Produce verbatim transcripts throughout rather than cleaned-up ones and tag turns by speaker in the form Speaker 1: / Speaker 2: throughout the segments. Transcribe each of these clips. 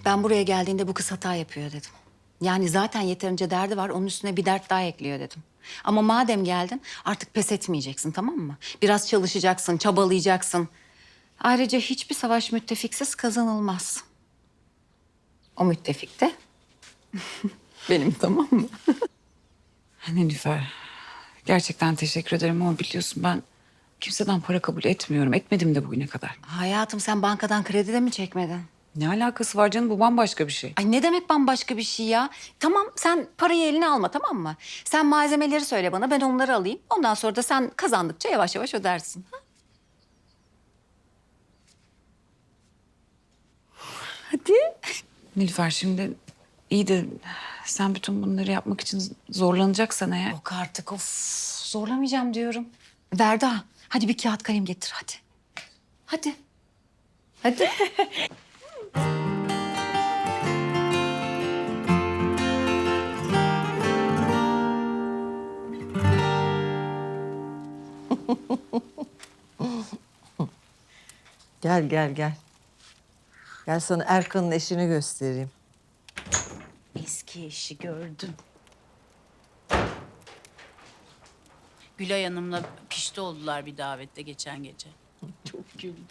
Speaker 1: Ben buraya geldiğinde bu kız hata yapıyor dedim. Yani zaten yeterince derdi var, onun üstüne bir dert daha ekliyor dedim. Ama madem geldin artık pes etmeyeceksin, tamam mı? Biraz çalışacaksın, çabalayacaksın. Ayrıca hiçbir savaş müttefiksiz kazanılmaz. O müttefik de benim, tamam mı?
Speaker 2: Nilüfer, gerçekten teşekkür ederim ama biliyorsun ben kimseden para kabul etmiyorum. Etmedim de bugüne kadar.
Speaker 1: Hayatım, sen bankadan kredi de mi çekmedin?
Speaker 2: Ne alakası var canım? Bu bambaşka bir şey.
Speaker 1: Ay ne demek bambaşka bir şey ya? Tamam, sen parayı eline alma, tamam mı? Sen malzemeleri söyle bana, ben onları alayım. Ondan sonra da sen kazandıkça yavaş yavaş ödersin. Ha? Hadi.
Speaker 2: Nilüfer şimdi iyi de sen bütün bunları yapmak için zorlanacaksan eğer...
Speaker 1: Yok artık, of, zorlamayacağım diyorum. Verda, hadi bir kağıt kalem getir, hadi. Hadi. Hadi.
Speaker 3: Gel gel gel. Gel sana Erkan'ın eşini göstereyim.
Speaker 4: Eski eşi gördüm. Gülay Hanım'la pişti oldular bir davette geçen gece. Çok güldüm.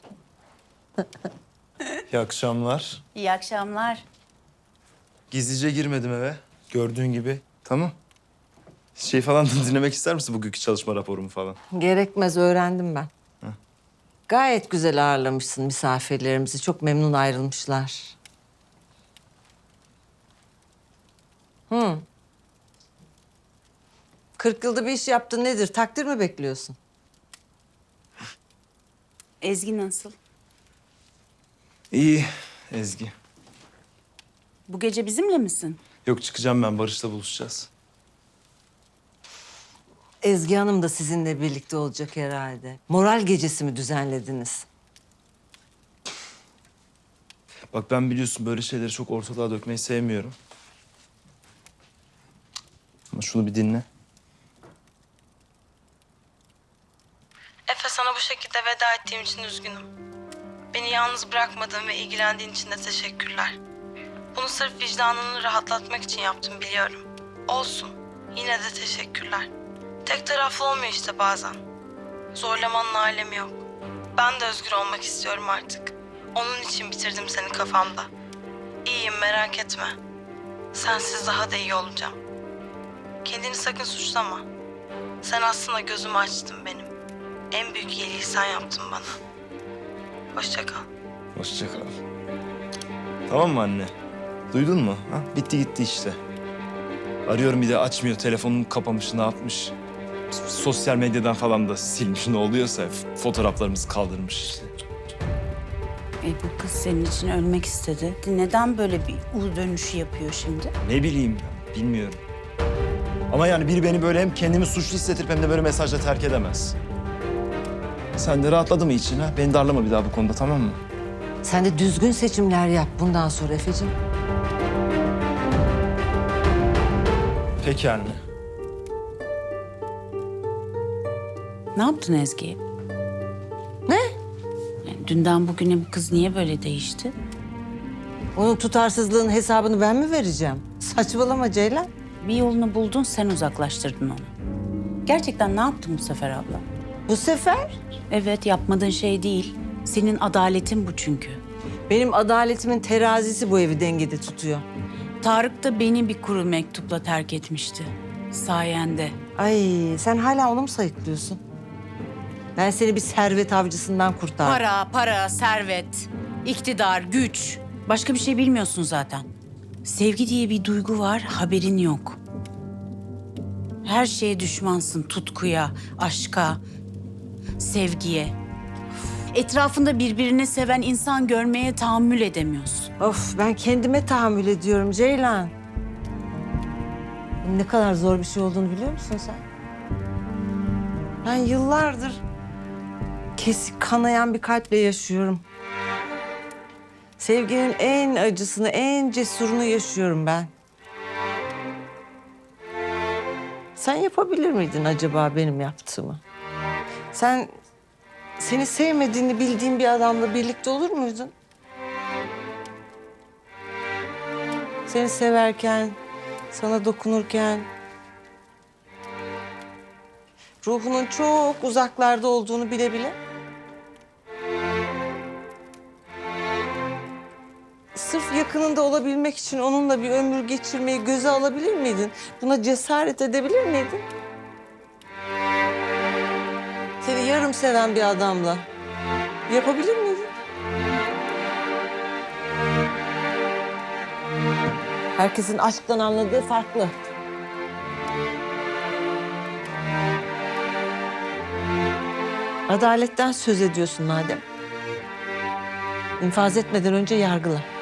Speaker 5: İyi akşamlar.
Speaker 4: İyi akşamlar.
Speaker 5: Gizlice girmedim eve. Gördüğün gibi. Tamam. Şey falan da dinlemek ister misin bugünkü çalışma raporumu falan?
Speaker 3: Gerekmez, öğrendim ben. Gayet güzel ağırlamışsın misafirlerimizi. Çok memnun ayrılmışlar. Hı. Kırk yılda bir iş yaptın, nedir? Takdir mi bekliyorsun?
Speaker 4: Ezgi nasıl?
Speaker 5: İyi Ezgi.
Speaker 4: Bu gece bizimle misin?
Speaker 5: Yok, çıkacağım ben. Barış'la buluşacağız.
Speaker 3: Ezgi Hanım da sizinle birlikte olacak herhalde. Moral gecesi mi düzenlediniz?
Speaker 5: Bak, ben biliyorsun böyle şeyleri çok ortalığa dökmeyi sevmiyorum. Ama şunu bir dinle.
Speaker 6: Efe, sana bu şekilde veda ettiğim için üzgünüm. Beni yalnız bırakmadığın ve ilgilendiğin için de teşekkürler. Bunu sırf vicdanını rahatlatmak için yaptım, biliyorum. Olsun. Yine de teşekkürler. Tek taraflı olmuyor işte bazen. Zorlamanın alemi yok. Ben de özgür olmak istiyorum artık. Onun için bitirdim seni kafamda. İyiyim, merak etme. Sensiz daha da iyi olacağım. Kendini sakın suçlama. Sen aslında gözümü açtın benim. En büyük iyiliği sen yaptın bana. Hoşça kal.
Speaker 5: Hoşça kal. Tamam mı anne? Duydun mu? Ha? Bitti gitti işte. Arıyorum, bir de açmıyor. Telefonunu kapamış, ne yapmış? Sosyal medyadan falan da silmiş, ne oluyorsa. Fotoğraflarımızı kaldırmış işte.
Speaker 4: E bu kız senin için ölmek istedi. Neden böyle bir U dönüşü yapıyor şimdi?
Speaker 5: Ne bileyim ben, bilmiyorum. Ama yani biri beni böyle hem kendimi suçlu hissettirip hem de böyle mesajla terk edemez. Sen de rahatladı mı için ha? Beni darlama bir daha bu konuda, tamam mı?
Speaker 3: Sen de düzgün seçimler yap bundan sonra Efe'cim.
Speaker 5: Peki anne.
Speaker 4: Ne yaptın Ezgi?
Speaker 3: Ne?
Speaker 4: Yani dünden bugüne bu kız niye böyle değişti?
Speaker 3: Onun tutarsızlığının hesabını ben mi vereceğim? Saçmalama Ceylan.
Speaker 4: Bir yolunu buldun, sen uzaklaştırdın onu. Gerçekten ne yaptın bu sefer abla?
Speaker 3: Bu sefer
Speaker 4: Evet, yapmadığın şey değil. Senin adaletin bu çünkü.
Speaker 3: benim adaletimin terazisi bu evi dengede tutuyor.
Speaker 4: Tarık da beni bir kuru mektupla terk etmişti. Sayende.
Speaker 3: Ay, sen hala onu mu sayıklıyorsun? Ben seni bir servet avcısından kurtardım.
Speaker 4: Para, para, servet, iktidar, güç. Başka bir şey bilmiyorsun zaten. Sevgi diye bir duygu var, haberin yok. Her şeye düşmansın, tutkuya, aşka, sevgiye. Etrafında birbirini seven insan görmeye tahammül edemiyorsun.
Speaker 3: Of, ben kendime tahammül ediyorum Ceylan. Ne kadar zor bir şey olduğunu biliyor musun sen? Ben yıllardır kesik kanayan bir kalple yaşıyorum. Sevginin en acısını, en cesurunu yaşıyorum ben. Sen yapabilir miydin acaba benim yaptığımı? Sen seni sevmediğini bildiğin bir adamla birlikte olur muydun? Seni severken, sana dokunurken... ruhunun çok uzaklarda olduğunu bile bile... sırf yakınında olabilmek için onunla bir ömür geçirmeyi göze alabilir miydin? Buna cesaret edebilir miydin? Seni yarım seven bir adamla yapabilir miydin? Herkesin aşktan anladığı farklı. Adaletten söz ediyorsun madem. İnfaz etmeden önce yargıla.